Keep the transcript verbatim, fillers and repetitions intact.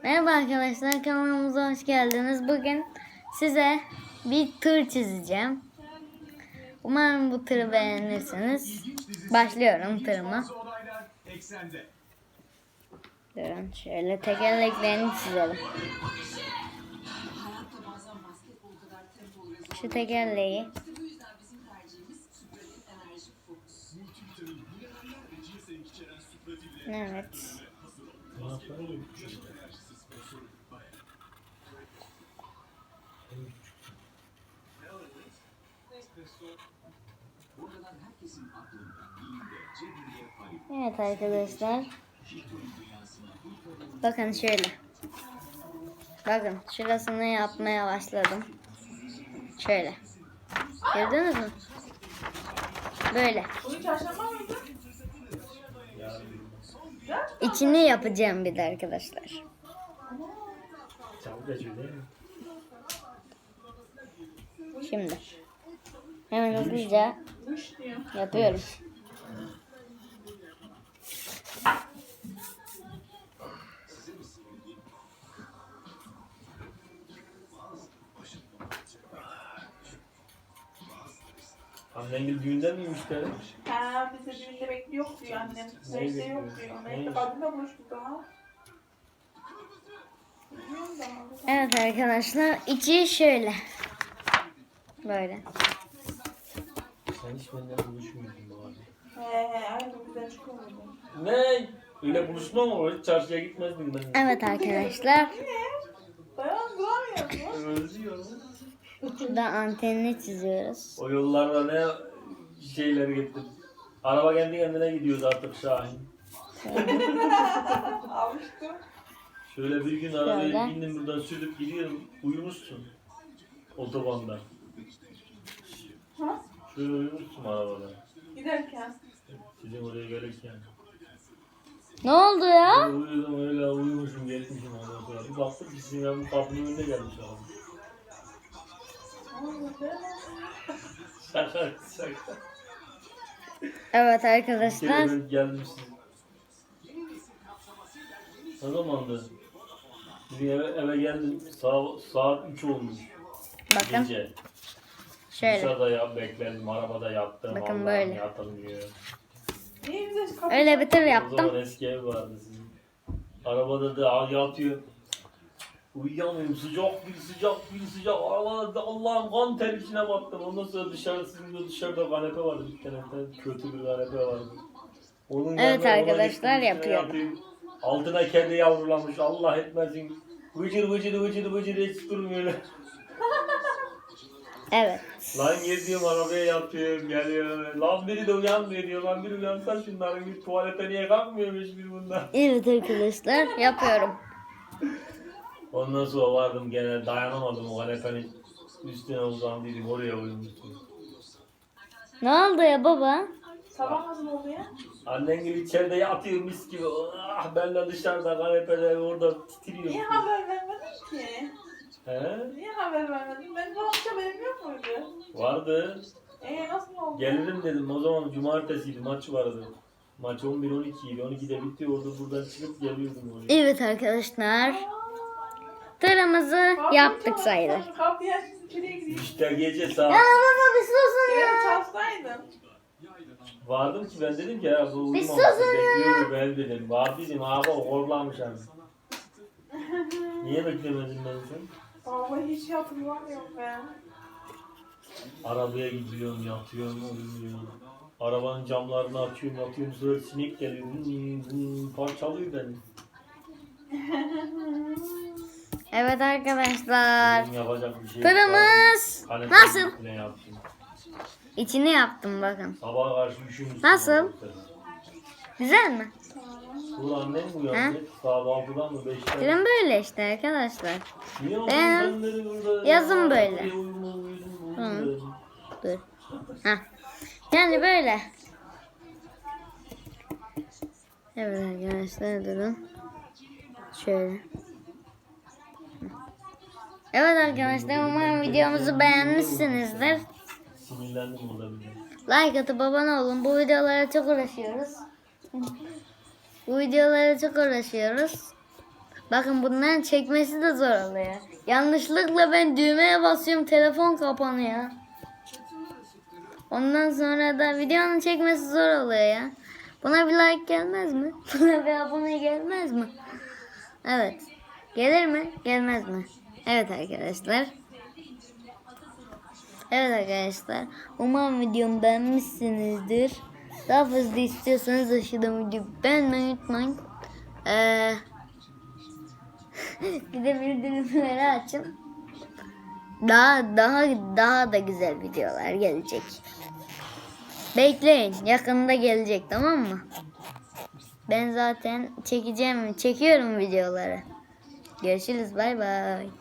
Merhaba arkadaşlar, kanalımıza hoş geldiniz. Bugün size bir tır çizeceğim. Umarım bu tırı beğenirsiniz. Başlıyorum tırıma. Durun şöyle tekerleklerini çizelim. Şu tekerleği. Evet. Evet arkadaşlar. Bakın şöyle. Bakın şurasını yapmaya başladım. Şöyle. Gördünüz mü? Böyle. İçini yapacağım bir de arkadaşlar. Şimdi hemen hızlıca yapıyorum. Annen gibi düğünde miymiş be? Ha, bize düğünde bekliyor diyor annem. Neyse yok diyor. Neyse kadınla buluştuk daha. Evet arkadaşlar, içi şöyle. Böyle. Sen hiç benden buluşmuyordun bu abi. He he, aynı güzel çıkıyordu. Ne? Öyle buluşma mı var? Hiç çarşıya gitmezdim ben. Evet arkadaşlar. Dayan duramıyorsun. Özlüyorum. Şurada antenini çiziyoruz. O yollarda ne şeyler gittim. Araba kendi kendine gidiyordu artık Şahin. Alıştım. Şöyle bir gün arabaya Şöyle. bindim buradan sürüp gidiyorum. Uyumuşsun. Otobanda. Ha? Şöyle uyumuşsun arabada. Giderken. Sizin oraya gelirken. Ne oldu ya? Öyle uyudum öyle uyumuşum gelmişim ondan sonra. Bir baktım ki sizin yanım kapının önünde gelmiş abi. Şaka şaka. Evet Bir arkadaşlar. kere ben geldim sizin. Ne zamandı? Bizim eve, eve geldim saat, saat üç olmuş. Bakın Gece. şöyle. Dışarıda ya, bekledim, arabada yattım. Bakın Allah'ım böyle. yatalım diyor. Niye bize kapı? Öyle bir tır O yaptım. zaman eski ev vardı sizin. Arabada da yatıyor. Uyuyamıyorum, sıcak bir sıcak bir sıcak. Arabada da Allah'ım kan ter içine battım. Ondan sonra dışarı, sizin de dışarıda kanepe vardı. Bir tane kötü bir kanepe vardı. Onun Evet yanına ona arkadaşlar, gittim, üstüne yapıyorum. yatayım. Altına kedi yavrulamış. Allah etmesin. Vıcır vıcır vıcır vıcır hiç durmuyor. Evet. Lan geziyorum arabaya yatıyorum geliyor. Lan biri de uyanmıyor diyor. Lan biri uyansa şunların bir tuvalete niye kalkmıyormuş bir bundan. Evet arkadaşlar, yapıyorum. Ondan sonra vardım gene dayanamadım o kanepenin üstüne uzandıydım oraya uyumuştum. Ne oldu ya baba? Sabah nasıl oldu ya? Annen gibi içeride yatıyor mis gibi. Ah, ben de dışarıda kanepeler orada titriyorum. Niye haber vermedin ki? He? Niye haber vermedin? Ben bu akşam haberim yok muydu? Vardı. Eee nasıl oldu? Gelirim dedim o zaman cumartesiydi maç vardı. Maç on bir on iki idi. on ikide bitti orada buradan çıkıp geliyordum oraya. Evet arkadaşlar. Tırımızı yaptık sayılır. Kapıyı açsın içeriye gireyim. İşte gece saat. Ya baba bir susun ya. Geri çalsaydın. Vardım ki ben dedim ki ya bu uyumamış susun ya. bekliyordu ben dedim. Vardıydım abi horlamış abi. Niye beklemedin ben sen? Vallahi hiç hatırlamıyorum ben. Arabaya gidiyorum yatıyorum uyumuyorum. Arabanın camlarını açıyorum yatıyorum sonra sinek geliyor. Hmm, hmm, parçalıyor beni. Evet arkadaşlar. Benim yapacak bir şey Tırımız yok. nasıl? Ne yaptım? İçini yaptım bakın. Sabaha karşı üşümüştüm. Nasıl? Güzel mi? Bu annem bu ya. Saat altıdan mı beşten? Tırım böyle işte arkadaşlar. Niye oldun Ben sen dedi burada? yazın böyle. Uyuma, uyuma, uyuma, Hı. uyuma. Dur. Heh. Yani böyle. Evet arkadaşlar durun. Şöyle. Evet arkadaşlar umarım videomuzu beğenmişsinizdir. Sinirlendim olabilir. Like atıp abone olun. Bu videolara çok uğraşıyoruz. Bu videolara çok uğraşıyoruz. Bakın bunların çekmesi de zor oluyor. Yanlışlıkla ben düğmeye basıyorum, telefon kapanıyor. Ondan sonra da videonun çekmesi zor oluyor ya. Buna bir like gelmez mi? Buna bir abone gelmez mi? Evet. Gelir mi? Gelmez mi? Evet arkadaşlar. Evet arkadaşlar. Umarım videomu beğenmişsinizdir. Daha fazla istiyorsanız aşağıdan videoyu beğenmeyi unutmayın. Ee, bir de bildirimleri açın. Daha daha daha da güzel videolar gelecek. Bekleyin. Yakında gelecek, tamam mı? Ben zaten çekeceğim, çekiyorum videoları. Görüşürüz. Bay bay.